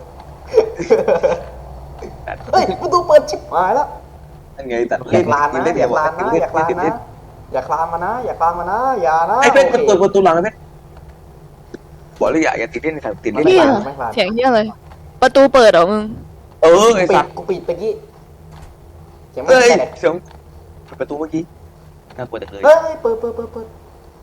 Speaker 2: เฮ้ยประตูเปิดชิบหายแล้ว
Speaker 4: นั่นไงแต่
Speaker 2: อยากลานนะอยากลานนะอยากลานนะอยากลานมานะอยากลานมานะอย่านะ
Speaker 4: ไอ้เพชรมันเปิดประตูหลังนะเพชรบอกเลยอย่าอย่าติดเล่นในสายติดเล่น
Speaker 1: เฮียเสียงเฮียอะไรประตูเปิดเหรอมึง
Speaker 4: เออไอ้
Speaker 2: ปิ
Speaker 4: สั
Speaker 2: ด
Speaker 4: ตว์
Speaker 2: กูปิดตะกี้เสียงไม่
Speaker 4: เอ้ย
Speaker 2: ใช่เลย
Speaker 4: เสียงประตูเมื่อกี้น่ากลัวจังเลย
Speaker 2: เฮ้ยเปิดเปิดเปิดเปิด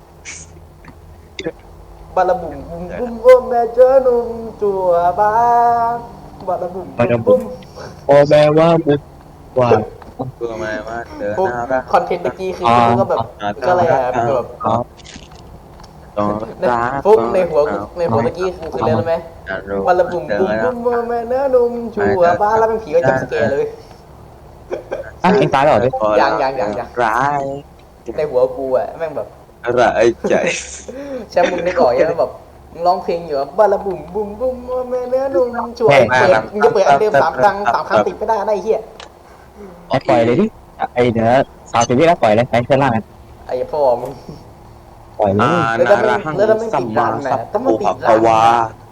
Speaker 2: บาลาบุ่มบุ่มบุ่มโอ้แม่เจ้าหนุ่มจั่วบ้านบาลาบุ่มบุ่ม
Speaker 3: โอ้แปลว่าบุกว่า
Speaker 4: เพื่อมาว่าเดิน
Speaker 2: ปุ๊บ
Speaker 4: หน้ารัก
Speaker 2: คอนเทนต์ตะกี้คือกูก็แบบก็อะไรอ่ะแบบ
Speaker 3: อ๋อ
Speaker 4: ต้องรัก
Speaker 2: ฟุกในหัวในหัวตะกี้คือคือเรื่องอะไรไหมบาลาบุ่มบุ่มบุ่มโอ้แม่เนื้อหนุ่มจั่วบ้านแล้วเป็นผีก็จับสเกลเลย
Speaker 3: อ่ะเองตายแล้วเหรอเนี่ย
Speaker 2: ยังยังยังยัง
Speaker 4: ร้าย
Speaker 2: ในหัวกูอ่ะแม่งแบบ
Speaker 4: ร้ายใจ
Speaker 2: แชมป์มึงได้ก่อนยังแบบมึงร้องเพลงอยู่บาลาบุ่มบุ่มบุ่มแม่เนื้อนุ่มช่วยเปิดมึงจะเปิดอันเดิมสามครั้งสามครั้งติดไม่ได้ได้เฮีย
Speaker 3: เอาปล่อยเลยดิไอเดี๋ยวสาวสิบวิแล้วปล่อยเลยไปเส้นล่างกัน
Speaker 2: ไอ้พ่อมึง
Speaker 3: ปล่อยเลย
Speaker 4: อานารังสัมมาสัพพุภะวา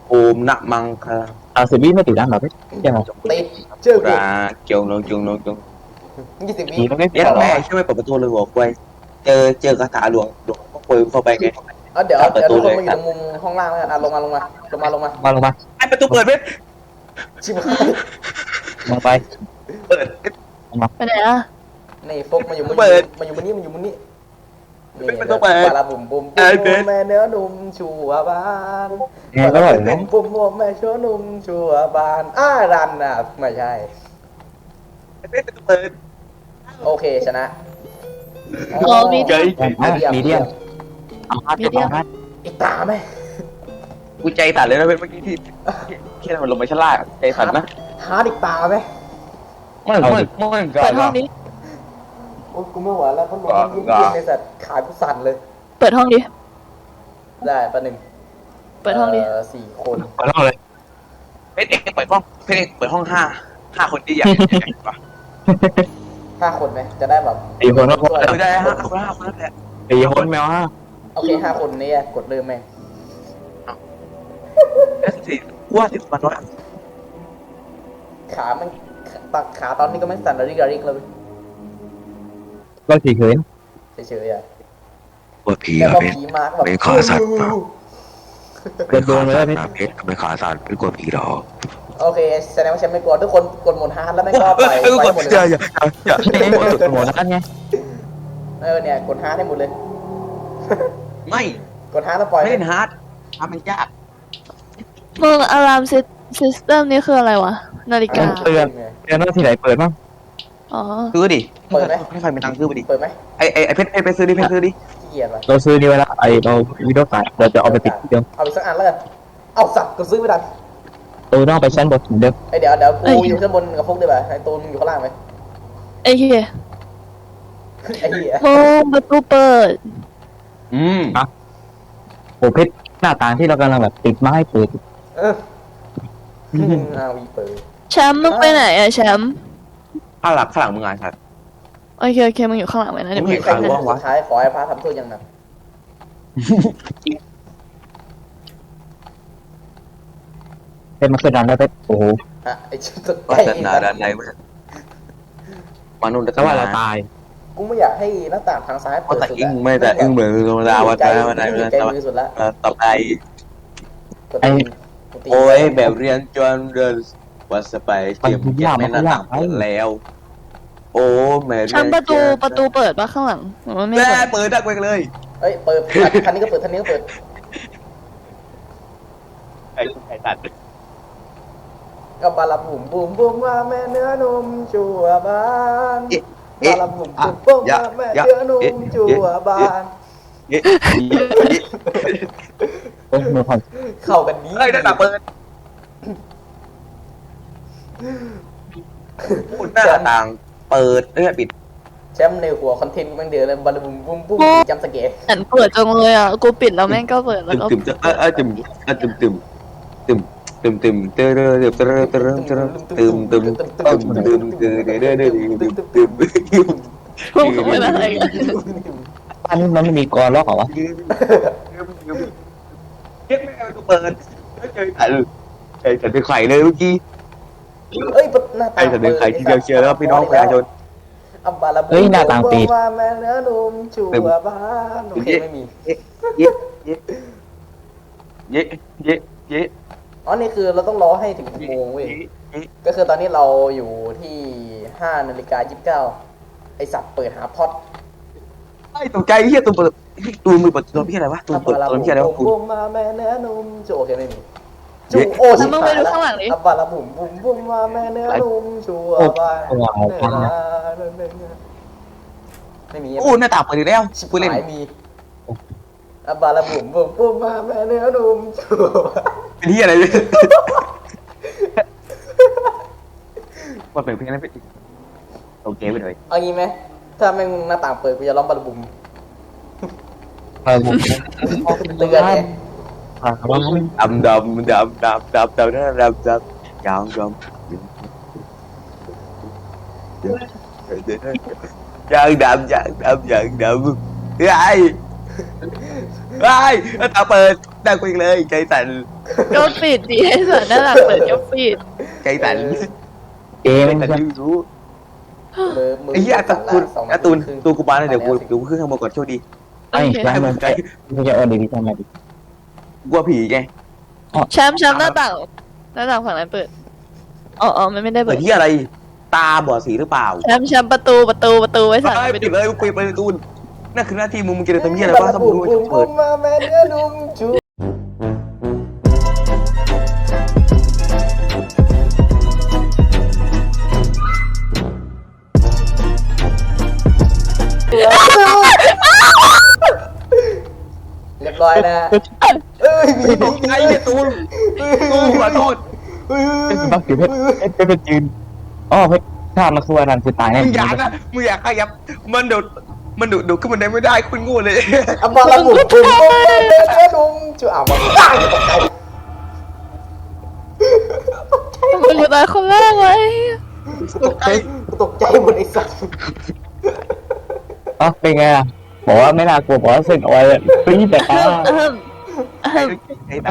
Speaker 4: โอมนะมังคา
Speaker 3: เอาสิบวิไม่ติดดังหรอพี่ใช่ไหม
Speaker 2: ติดเชื่อกู
Speaker 4: ราเกียวโนจงโนจง
Speaker 2: ยี่สิบวิ
Speaker 3: ผีมันไม่
Speaker 4: เย็ด
Speaker 3: หรอ
Speaker 4: แม่ช่วยไม่เปิดประตูเลยหัวควายเจอเจอกระถาหลวงหลวงก็ควายเข้าไปไง
Speaker 2: เอาเดี๋ยวเดี๋ยวทุกคนมาอยู่ตรงมุมห้องล่างแล้วกันอ่ะลงมาลงมาลงมาลงมา
Speaker 3: มาลงมา
Speaker 4: ไอประตูเปิดเว้ย
Speaker 2: ชิบหาย
Speaker 3: ลงไป
Speaker 4: เปิด
Speaker 1: ไปไหนอ่ะ
Speaker 2: นี่ฟกมาอยู่มุม
Speaker 4: เปิด
Speaker 2: มาอยู่มุมนี้มาอยู่มุมนี้นี่
Speaker 4: ไม่ต้องเปิด
Speaker 2: ปลาบุ่มบุ่ม
Speaker 4: เอ
Speaker 2: บุ่
Speaker 4: อ
Speaker 2: ม
Speaker 4: เปิด
Speaker 2: แม่เนื้อนุ่มชัวบาน
Speaker 3: ไงก็อร่อยนะ
Speaker 2: บุ่มบุ่มแม่ชัวนุ่มชัวบานอ้ารันอ่ะไม่ใช่
Speaker 4: ไอประตูเปิด
Speaker 2: โอเคชนะ
Speaker 1: อ๋อมี
Speaker 4: เฮ้ย
Speaker 3: มีเดียมเอาฮัทเอาฮัท
Speaker 2: อีกตาไหม
Speaker 4: กูใจสั่นเลยนะเว้ยเมื่อกี้ที่ที่เราลงไปชั้นล่างใจสั่นนะ
Speaker 2: ฮาร์ดอีกตาไหม
Speaker 4: ไม่ไม่ไม่
Speaker 1: เปิดห้องนี้
Speaker 2: โอ้ยกูไม่ไหวแล้วเพราะลมมันยิ่ง
Speaker 4: อ่า
Speaker 2: ๆในสัตว์ขากูสั่นเลย
Speaker 1: เปิดห้องดิ
Speaker 2: ได้ปะหนึ่ง
Speaker 1: เปิดห้องดิ
Speaker 2: เสี่คน
Speaker 3: เปิดห้องเลย
Speaker 4: เพชรเอกเปิดห้องเพชรเอกเปิดห้องห้าห้าคนที่อยากว่ะ
Speaker 2: ห้าคนไหมจะได้แบบ
Speaker 3: สี่คนก็พอ
Speaker 4: เออได้ห้าคนห้าคนนั่นแหละ
Speaker 3: สี่คนแมวห้า
Speaker 2: โอเคห้าคนนี้กดเริ่มไหม
Speaker 4: สี่ว่าสิบมันน้อย
Speaker 2: ขามันตักขาตอนนี้ก็ไม่สั่นระริกระริกเลย
Speaker 3: ก็สี่คืน
Speaker 2: เฉยๆอ่ะ
Speaker 5: ว่าผี
Speaker 2: แล้ว
Speaker 5: อะ
Speaker 2: ก็
Speaker 5: เพชร
Speaker 2: ผีมาร์กแบบ
Speaker 5: ไม่ขาสั่นเปล่า
Speaker 3: เดินโดนเลย
Speaker 5: สั่น
Speaker 3: พี่
Speaker 5: นะเพชรไม่ขาสั่นไม่กลัวผีหรอก
Speaker 2: โอเคแสดงว่าฉันไม่กลัวทุกคนกดหมดฮาร์ดแล้วไม่ก็ไป
Speaker 4: เออ
Speaker 2: ไป
Speaker 4: กด
Speaker 2: หมดเล
Speaker 4: อย่าย อย่าอย่า
Speaker 3: หมดแล้วไง
Speaker 2: เออเนี่ยกดฮาร์ดให้หมดเลย
Speaker 4: ไม่
Speaker 2: กดฮาร์ดแล้วปล่อย
Speaker 4: ไม่เล่นฮาร์ดฮาร์ดมันยาก
Speaker 1: มึงอะลามซิสเต็มนี่คืออะไรวะ นาฬิกา
Speaker 3: เตือนเตือนว่าที่ไหนเปิดบ้าง
Speaker 1: อ๋อ
Speaker 4: ซื้อดิ
Speaker 2: เปิดไหม
Speaker 4: ให้ใครเป็นตังค์ซื้อไปดิ
Speaker 2: เปิดไหม
Speaker 4: ไอไอไอเพชรไปซื้อดิเพชรซื้อดิ
Speaker 2: ขี้เกียจว่ะ
Speaker 3: เราซื้อนี่ไว้แล้วไอเราวิดีโอการ์ดเราจะเอาไปติดที่เดิม
Speaker 2: เอาอีกสักอันแล้วกันเอาสัตว์กูซื้อไม่ได้
Speaker 3: ตัวต้องไปชั้นบนเหมือนเดิม
Speaker 2: ไอเดี๋ยวเดี๋ยวกูอยู่ข้างบนกับพวกได้ป่ะไอตูนอยู่ข้างล่างไหม
Speaker 1: ไอ้เหี้ย
Speaker 2: ไอ้เหี้ย
Speaker 1: โอ้ประตูเปิด
Speaker 4: อืม
Speaker 3: โอ้เพชรหน้าต่างที่เรากำลังแบบติดไม้เปิด
Speaker 2: เอออาวีเปิด
Speaker 1: แชมป์มึงไปไหนอะแชมป์
Speaker 4: ข้างหลังข้างหลังมึงอ่ะครับ
Speaker 1: โอเคโอเคมึงอยู่ข้างหลังไว้นะเดี๋ยว
Speaker 4: มึ
Speaker 1: มึ
Speaker 4: ง
Speaker 1: ง
Speaker 4: เห็น
Speaker 2: ใคร
Speaker 4: ใคร
Speaker 2: เป็น
Speaker 4: วะ
Speaker 2: สุดท้ายขอให้พระทำโทษอย่างหนัก
Speaker 3: เพชรมันขึ้นดันแล้วเพชรโอ้โห
Speaker 2: ฮะไอชุดสุด
Speaker 4: ว่า
Speaker 2: ใจ
Speaker 4: ศาสนาด้านในเว้ยมนุษย์
Speaker 3: แต่ว่าเราตาย
Speaker 2: กูไม่อยากให้หน้าต่างทางซ้าย
Speaker 4: เพราะ
Speaker 2: เปิด
Speaker 4: แต่
Speaker 2: สุด
Speaker 4: อึ้งไม่แต่อึ้งเหมือนธรรมดาวัน
Speaker 2: ใจ
Speaker 4: นั้นวันนั้นวันนั้น
Speaker 2: ใจมือสุดละ
Speaker 4: ต่อไป
Speaker 2: กดตีนกดตีน
Speaker 4: โอ้ยแบบเรียนจนเดินวัดสไปเตรียมเก็บไม่น่าต่างเปิดแล้ว โอ้แม่
Speaker 1: แชมป์ประตูประตูเปิดปะข้างหลังหรือว่าไม่
Speaker 4: แม่
Speaker 1: เปิด
Speaker 4: เปิดดักไปเลย
Speaker 2: เอ้ยเปิดทันนี้ก็เปิดทันนี้ก็เปิด
Speaker 4: ไอ้ไอ้ตัด
Speaker 2: ก็บาลาบุ่มบุ่มบุ่มว่าแม่เนื้อนมจัวบานบาลาบุ่มบุ่มบุ่มว่าแม่เนื้อนมจัวบาน
Speaker 4: เอ๊ะ
Speaker 3: โอ้มือผ่อน
Speaker 2: เข้ากันดี
Speaker 4: เฮ้ยหน้าต่างเปิดพูดหน้าต่างเปิดเอ้ยปิด
Speaker 2: แชมป์ในหัวคอนเทนต์มันเดือดเลยบาลาบุ่มบุ่มบุ่มจำสเกต
Speaker 1: อันเปิดจังเลยอ่ะกูปิดแล้วแม่งก็เปิดแล้ว
Speaker 4: ตึม
Speaker 1: ก็
Speaker 4: ตึมเออเออตึมเออตึมตึมตึมตึมตึมเตอเตอเตอเตอเตอเตอตึมตึมตึมตึมตึมเตอเตอเตอเตอตึมตึมตึม
Speaker 1: พวกมึงเป็นอะไรกัน
Speaker 3: บ้านนี้มันไม่มีกรล็อกเหรอวะ
Speaker 4: เก็บไม่เอาตัวเปิดเจอไอ้ไอ้ฉันเป็นไข่เลยเมื่อกี้
Speaker 2: เอ้ยหน้าต่าง
Speaker 4: ไอ้ฉันเป็นไข่ที่เดียวเชียร์แล้วพี่น้องประชาชน
Speaker 2: อับบาลาบุ่มว่าแม่เนื้อนมจัวบานโอเคไม่มี
Speaker 4: เย้เย้เย้เย้เย้
Speaker 2: อ๋อนี่คือเราต้องรอให้ถึงกี่โมงเว้ยก็คือตอนนี้เราอยู่ที่ห้านาฬิกายี่สิบเก้าไอสัตว์เปิดหาพอด
Speaker 4: ไอ้ตกใจเฮียตัวเปิดตัวมือเปิดตัวพี่อะไรวะตัวเปิดตัวพี่อะไรวะ
Speaker 2: บุ่มมาแม่เนื้อนุ่มจูโอเคไม่มีจูโอชิบหายแล้วอับบาลาบุ่มบุ่มบุ่มมาแม่เนื้อนุ่มจูอบาไม่มี
Speaker 4: โอ้หน้าต่างเปิดอีกแล้ว
Speaker 2: ชิบ
Speaker 4: พูดเล่น
Speaker 2: หายมีอับบาลาบุ่มบุ่มบุ่มมาแม่เนื้อนุ่มจู
Speaker 4: เป็นที่อะไรเนี่ยว่าเป็นเพลงนั้นเป็นโอเคไปเลย
Speaker 2: เอางี้ไหมถ้าแม่งหน้าต่างเปิดกูจะร้องบาลาบุ่ม
Speaker 3: เออผม
Speaker 2: เตือนไง
Speaker 3: อ่าว่า
Speaker 4: ดำดำดำดำดำดำดำดำดำยาวดำยางดำยางดำยางดำไอ้ไอ้ตาเปิดดังไปเลยใจสั่น
Speaker 1: ก็ปิดดีไอ้สัตว์นั่นแหละเปิดก็ปิด
Speaker 4: ใจสั่น
Speaker 3: เกม
Speaker 4: ใจ
Speaker 3: มัน
Speaker 4: สั่น
Speaker 3: จะ
Speaker 4: ไม่รู้
Speaker 2: มือมือ
Speaker 4: ไอ้เหี้ยการ์ตูน
Speaker 2: สอง
Speaker 4: การ์ตูน
Speaker 2: ครึ่ง
Speaker 4: ตัวกูมาเลยเดี๋ยวกูเดี๋ยวกูขึ้นข้างบนก่อนโชคดี
Speaker 3: ไอ้ย้ายมันใจกูจะเอาดีวิชั่นมาดิ
Speaker 4: กลัวผีไง
Speaker 1: แชมป์แชมป์หน้าต่างหน้าต่างฝั่งนั้นเปิดอ๋ออ๋อมันไม่ได้
Speaker 4: เปิ
Speaker 1: เปิ
Speaker 4: ด
Speaker 1: ด
Speaker 4: ที่อะไร ตาบอดสีหรือเปล่า
Speaker 1: แชมป์แชมป์ประตูประตูประตูไว้สั่น
Speaker 4: เอ้ย
Speaker 1: ไป
Speaker 4: ปิ
Speaker 1: ดู
Speaker 4: ดเลยปิดไปประตูนั่นคือหน้าที่มึงมึงจะทำเหี้ยอะไรบ้างถ้ามึงรู้ว่าจะเปิด
Speaker 2: มาแม่เนื้อนุ่มจุ๊บเรียบร้อยนะเอ้ยมี
Speaker 4: ตกใจไอ้ตูนตูนขอโทษ
Speaker 3: เป็นบักอยู่เพชรเพชรเป็นยืนอ๋อเพชรถ้ามันคือวันนั้นคือตายแน่
Speaker 4: มึงอยากนะมึงอยากขยับมันเดี๋ยวมันดูดูขึ้นมันได้ไม่ได้คุณโง่เลย
Speaker 2: เอามาละบุกบุกมาแม่เนื้อนุ่มจุ๊บอ่ะมาตายตกใจ
Speaker 1: มันอยู่ตายคนแรกเลย
Speaker 4: ตกใจ
Speaker 2: ตกใจหมดไอ้สัส
Speaker 3: อ๋อเป็นไงอ่ะบอกว่าไม่น่ากลัวบอกว่าเส้นออยปรี๊ดแต่ตา
Speaker 1: เอิ่มเอิ่ม